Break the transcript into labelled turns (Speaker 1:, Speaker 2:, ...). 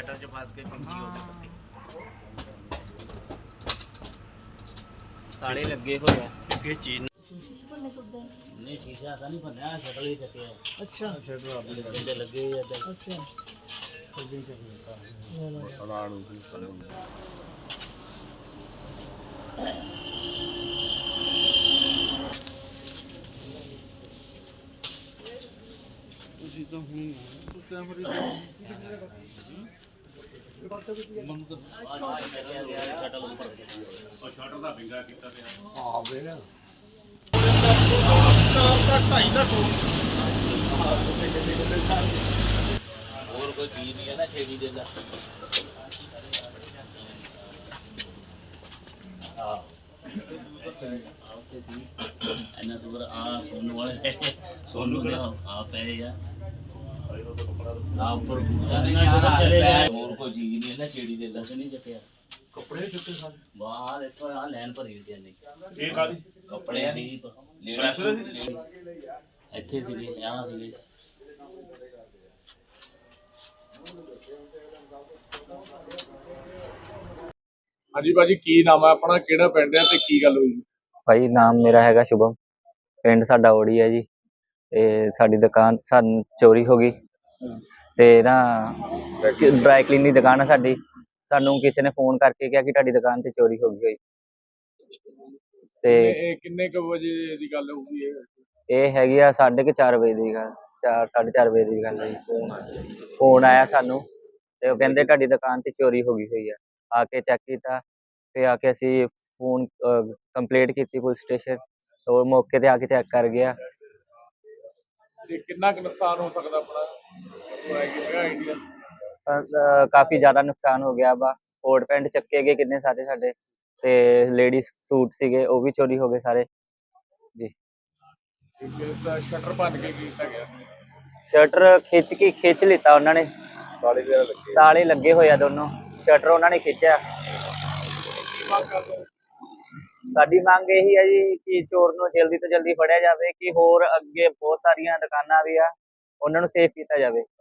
Speaker 1: Shutter च फस के पिंकी हो गई ताले लगे हुए हैं किस चीज नहीं शीशा ऐसा नहीं बनया शटर ही चके है अच्छा शटर लगे लगे हुए हैं अच्छा तो हुई तो कैमरे शटर ਦਾ ਵਿੰਗਾ ਕੀਤਾ ਤੇ ਆ ਵੇ और कोई चीज नहीं है ना छेड़ी देता सुगर आ सोनू वाले सोनू दे आप है यार ऊपर और कोई चीज नहीं है ना छेड़ी देता से नहीं चक्या कपड़े चुके सारे वाह देखो आ लाइन भरी हुई थी ये काली कपड़े दी लेडीज ਇੱਥੇ ਸੀਗੇ ਆ ਸੀਗੇ
Speaker 2: ਹਾਂਜੀ ਭਾਜੀ ਕੀ ਨਾਮ ਹੈ ਆਪਣਾ ਕਿਹੜਾ ਪਿੰਡ ਹੈ ਤੇ ਕੀ ਗੱਲ ਹੋਈ
Speaker 3: ਭਾਈ ਨਾਮ ਮੇਰਾ ਹੈਗਾ ਸ਼ੁਭਮ ਪਿੰਡ ਸਾਡਾ ਓੜੀ ਹੈ ਜੀ ਤੇ ਸਾਡੀ ਦੁਕਾਨ ਸਾਨੂੰ ਚੋਰੀ ਹੋ ਗਈ ਤੇ ਨਾ ਡਰਾਈ ਕਲੀਨ ਦੀ ਦੁਕਾਨ ਹੈ ਸਾਡੀ ਸਾਨੂੰ ਕਿਸੇ ਨੇ ਫੋਨ ਕਰਕੇ ਕਿਹਾ ਕਿ ਤੁਹਾਡੀ ਦੁਕਾਨ ਤੇ ਚੋਰੀ ਹੋ ਗਈ ਹੋਈ ਤੇ
Speaker 2: ਕਿੰਨੇ ਕੁ ਵਜੇ ਦੀ ਗੱਲ ਹੋਊਗੀ
Speaker 3: ਇਹ ਹੈਗੀ ਆ 4:30 ਵਜੇ ਦੀ ਗੱਲ 4:30 ਵਜੇ ਦੀ ਗੱਲ ਹੈ ਫੋਨ ਆਇਆ ਸਾਨੂੰ ਤੇ ਉਹ ਕਹਿੰਦੇ ਤੁਹਾਡੀ ਦੁਕਾਨ ਤੇ ਚੋਰੀ ਹੋ ਗਈ ਹੋਈ ਆ ਕੇ ਚੈੱਕ ਕੀਤਾ ਤੇ ਆ ਕੇ ਅਸੀਂ ਫੋਨ ਕੰਪਲੇਂਟ ਕੀਤੀ ਪੁਲਿਸ ਸਟੇਸ਼ਨ ਉਹ ਮੌਕੇ ਤੇ ਆ ਕੇ ਚੈੱਕ ਕਰ ਗਿਆ
Speaker 2: ਤੇ ਕਿੰਨਾ ਕੁ ਨੁਕਸਾਨ ਹੋ ਸਕਦਾ ਆਪਣਾ ਆਈਡੀਆ
Speaker 3: ਕਾਫੀ ਜ਼ਿਆਦਾ ਨੁਕਸਾਨ ਹੋ ਗਿਆ ਵਾ ਕੋਟ ਪੈਂਟ ਚੱਕੇ ਗਏ ਕਿੰਨੇ ਸਾਰੇ ਸਾਡੇ ਤੇ ਲੇਡੀਜ਼ ਸੂਟ ਸੀਗੇ ਉਹ ਵੀ ਚੋਰੀ ਹੋ ਗਏ ਸਾਰੇ ਜੀ
Speaker 2: ਸ਼ਟਰ ਭੰਨ ਕੇ ਕੀਤਾ ਗਿਆ
Speaker 3: ਸ਼ਟਰ ਖਿੱਚ ਲਿੱਤਾ ਉਹਨਾਂ ਨੇ ਤਾਲੇ ਲੱਗੇ ਹੋਏ ਆ ਦੋਨੋਂ ਸ਼ਟਰ ਉਹਨਾਂ ਨੇ ਖਿੱਚਿਆ ਸਾਡੀ ਮੰਗ ਇਹੀ ਹੈ ਜੀ ਕਿ ਚੋਰ ਨੂੰ ਜਲਦੀ ਤੋਂ ਜਲਦੀ ਫੜਿਆ ਜਾਵੇ ਕਿ ਹੋਰ ਅੱਗੇ ਬਹੁਤ ਸਾਰੀਆਂ ਦੁਕਾਨਾਂ ਵੀ ਆ ਉਹਨਾਂ ਨੂੰ ਸੇਫ ਕੀਤਾ ਜਾਵੇ।